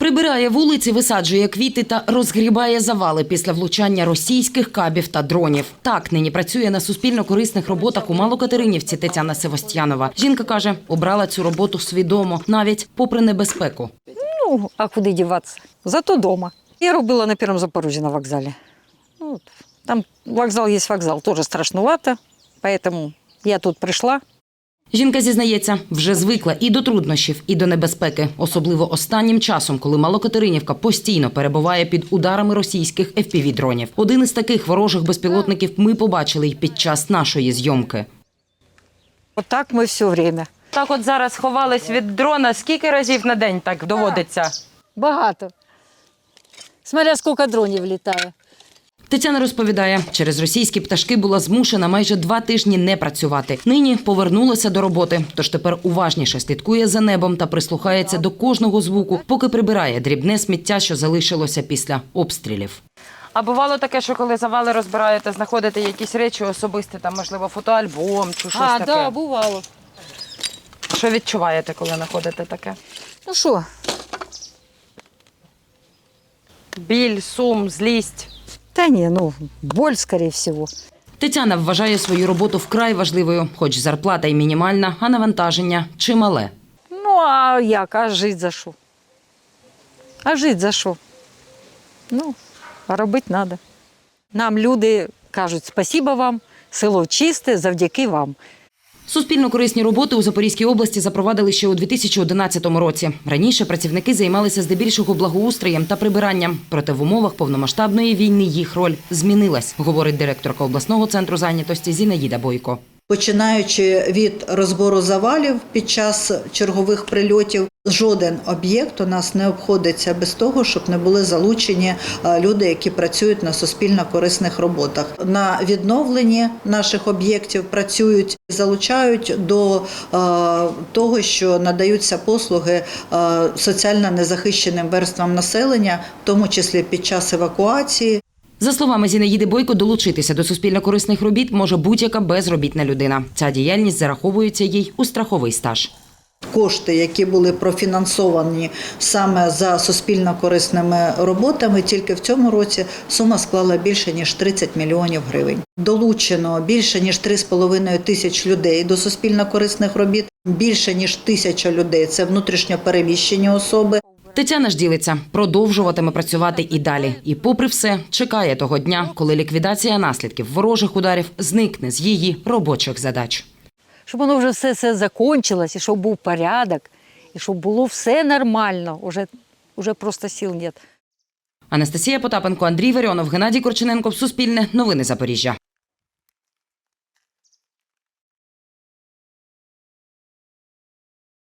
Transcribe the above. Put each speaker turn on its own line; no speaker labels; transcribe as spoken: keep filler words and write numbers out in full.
Прибирає вулиці, висаджує квіти та розгрібає завали після влучання російських кабів та дронів. Так нині працює на суспільно-корисних роботах у Малокатеринівці Тетяна Севостьянова. Жінка каже, обрала цю роботу свідомо, навіть попри небезпеку.
Ну, а куди діватися? Зато вдома. Я робила на Першому Запорожжі на вокзалі. Ну, там вокзал є вокзал, теж страшнувато, тому я тут прийшла.
Жінка зізнається, вже звикла і до труднощів, і до небезпеки. Особливо останнім часом, коли Малокатеринівка постійно перебуває під ударами російських еф пі ві-дронів. Один із таких ворожих безпілотників ми побачили й під час нашої зйомки.
Отак ми все время.
Так от зараз ховались від дрона. Скільки разів на день так доводиться?
Багато. Смотря скільки дронів літає.
Тетяна розповідає, через російські пташки була змушена майже два тижні не працювати. Нині повернулася до роботи, тож тепер уважніше слідкує за небом та прислухається до кожного звуку, поки прибирає дрібне сміття, що залишилося після обстрілів.
А бувало таке, що коли завали розбираєте, знаходите якісь речі особисті, там, можливо, фотоальбом чи щось
А,
таке?
так, да, бувало.
Що відчуваєте, коли знаходите таке?
Ну що?
Біль, сум, злість?
Та ні, ну, боль, скоріше всього.
Тетяна вважає свою роботу вкрай важливою, хоч зарплата й мінімальна, а навантаження чимале.
Ну, а як? А жити за що? А жити за що? Ну, а робити треба. Нам люди кажуть, спасибо вам, село чисте, завдяки вам.
Суспільно-корисні роботи у Запорізькій області запровадили ще у дві тисячі одинадцятому році. Раніше працівники займалися здебільшого благоустроєм та прибиранням. Проте в умовах повномасштабної війни їх роль змінилась, говорить директорка обласного центру зайнятості Зінаїда Бойко.
Починаючи від розбору завалів під час чергових прильотів, жоден об'єкт у нас не обходиться без того, щоб не були залучені люди, які працюють на суспільно-корисних роботах. На відновленні наших об'єктів працюють, залучають до того, що надаються послуги соціально незахищеним верствам населення, в тому числі під час евакуації.
За словами Зінаїди Бойко, долучитися до суспільно-корисних робіт може будь-яка безробітна людина. Ця діяльність зараховується їй у страховий стаж.
Кошти, які були профінансовані саме за суспільно-корисними роботами, тільки в цьому році сума склала більше, ніж тридцять мільйонів гривень. Долучено більше, ніж три з половиною тисяч людей до суспільно-корисних робіт. Більше, ніж тисяча людей – це внутрішньо переміщені особи.
Тетяна ж ділиться, продовжуватиме працювати і далі. І попри все, чекає того дня, коли ліквідація наслідків ворожих ударів зникне з її робочих задач.
Щоб воно вже все, все закінчилось, і щоб був порядок, і щоб було все нормально. Уже, уже просто сил нет.
Анастасія Потапенко, Андрій Варіонов, Геннадій Корчененко. Суспільне. Новини Запоріжжя.